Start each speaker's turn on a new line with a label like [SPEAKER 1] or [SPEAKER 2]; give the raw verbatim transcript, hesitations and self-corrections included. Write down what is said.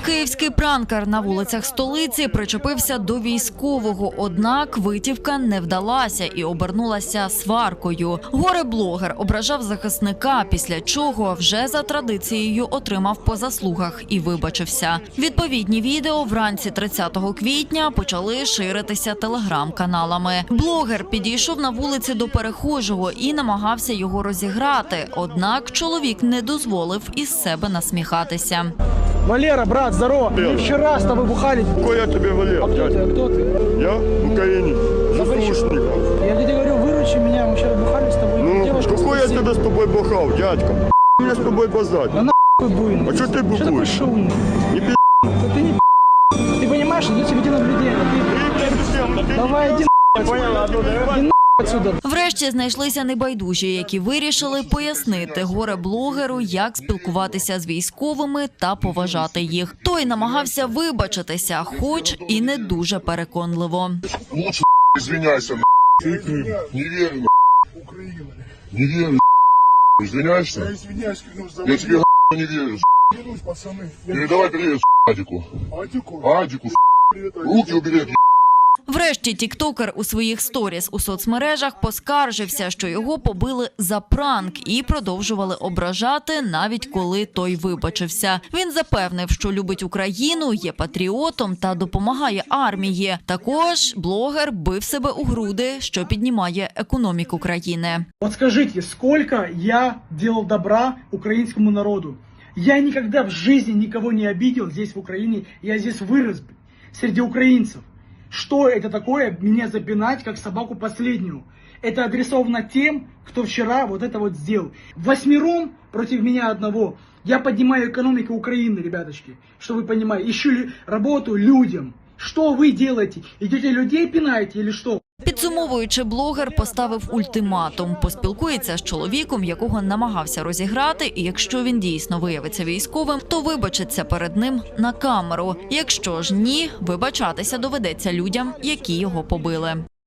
[SPEAKER 1] Київський пранкер на вулицях столиці причепився до військового, однак витівка не вдалася і обернулася сваркою. Горе-блогер ображав захисника, після чого вже за традицією отримав по заслугах і вибачився. Відповідні відео вранці тридцятого квітня почали ширитися телеграм-каналами. Блогер підійшов на вулиці до перехожого і намагався його розіграти, однак чоловік не дозволив із себе насміхатися.
[SPEAKER 2] Валера, брат, здорово. Мы вчера с тобой бухали.
[SPEAKER 3] Какой я тебе Валера?
[SPEAKER 2] А кто ты? А кто ты?
[SPEAKER 3] Я в Украине. Заслушников.
[SPEAKER 2] Я тебе говорю, выручи меня. Мы вчера бухали с тобой.
[SPEAKER 3] Ну,
[SPEAKER 2] Девушка
[SPEAKER 3] какой я
[SPEAKER 2] спросила.
[SPEAKER 3] тебе с тобой бухал, дядька? Меня с тобой базать.
[SPEAKER 2] Да нахуй буйный.
[SPEAKER 3] А что ты
[SPEAKER 2] Что такой
[SPEAKER 3] бухаешь?
[SPEAKER 2] шумный?
[SPEAKER 3] Не пи***.
[SPEAKER 2] Да ты не пи***. Ты понимаешь, идет тебе наблюдение. Ты... Давай, иди нахуй отсюда.
[SPEAKER 1] Врешті знайшлися небайдужі, які вирішили пояснити горе-блогеру, як спілкуватися з військовими та поважати їх. Той намагався вибачитися, хоч і не дуже переконливо.
[SPEAKER 4] Лучше извиняйся, ты не верю, не верю, извиняешься?
[SPEAKER 5] Я извиняюсь, клянусь, за
[SPEAKER 4] Я тебе не верю.
[SPEAKER 5] клянусь, пацаны.
[SPEAKER 4] Передавай привет Адику.
[SPEAKER 5] Адику,
[SPEAKER 4] Адику,
[SPEAKER 5] привет, Адик.
[SPEAKER 4] руки убери.
[SPEAKER 1] Врешті тіктокер у своїх сторіс у соцмережах поскаржився, що його побили за пранк і продовжували ображати, навіть коли той вибачився. Він запевнив, що любить Україну, є патріотом та допомагає армії. Також блогер бив себе у груди, що піднімає економіку країни.
[SPEAKER 2] Вот скажите, сколько я делал добра украинскому народу? Я никогда в жизни никого не обидел здесь, в Украине. Я здесь вырос среди украинцев. Что это такое, меня запинать, как собаку последнюю? Это адресовано тем, кто вчера вот это вот сделал. Восьмером против меня одного. Я поднимаю экономику Украины, ребяточки, что вы понимаете. Ищу работу людям. Что вы делаете? Идете людей пинаете или что?
[SPEAKER 1] Підсумовуючи, блогер поставив ультиматум. Поспілкується з чоловіком, якого намагався розіграти, і якщо він дійсно виявиться військовим, то вибачиться перед ним на камеру. Якщо ж ні, вибачатися доведеться людям, які його побили.